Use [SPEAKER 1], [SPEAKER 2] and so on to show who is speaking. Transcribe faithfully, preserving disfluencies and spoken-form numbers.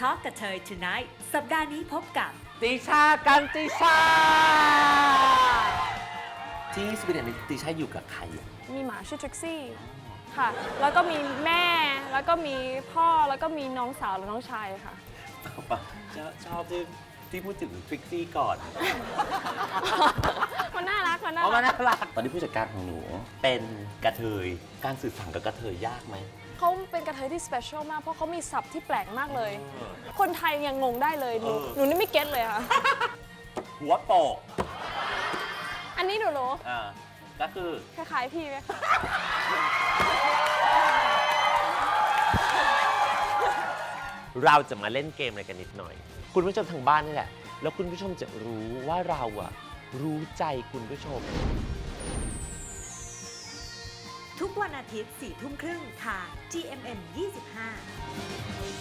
[SPEAKER 1] Talk กับเธอ Tonight สัปดาห์นี้พบกับ
[SPEAKER 2] ติชากันติชาที่สวีเดนติชาอยู่กับใครอ่ะ
[SPEAKER 3] มีหมาชื่อทริกซี่ค่ะ แล้วก็มีแม่ แล้วก็มีพ่อ แล้วก็มีน้องสาวและน้องชายค่ะ
[SPEAKER 2] ชอบที่ที่พูดถึงทริกซี่ก่อน
[SPEAKER 3] มันน่ารัก มันน่า
[SPEAKER 2] เพราะ
[SPEAKER 3] รั
[SPEAKER 2] ว่าก น่ารักตอนนี้ผู้จัดการของหนูเป็นกระเทยการสื่อสารกับกระเทยยากไหม
[SPEAKER 3] เขาเป็นกระเทยที่สเปเชียลมาก เพราะเขามีศัพท์ที่แปลกมากเลย คนไทยยังงงได้เลย หนู
[SPEAKER 2] เออ
[SPEAKER 3] หนูนี่ไม่เก็ตเลยค่ะ
[SPEAKER 2] หัวโปก
[SPEAKER 3] อันนี้หนูรู้
[SPEAKER 2] อ่าก็คือ
[SPEAKER 3] คล้ายๆพี่ไหมคะ
[SPEAKER 2] เราจะมาเล่นเกมอะไรกันนิดหน่อย คุณผู้ชมทางบ้านนี่แหละแล้วคุณผู้ชมจะรู้ว่าเราอะรู้ใจคุณผู้ชม
[SPEAKER 1] ทุกวันอาทิตย์ สี่ทุ่มครึ่งทาง จี เอ็ม เอ็ม ยี่สิบห้า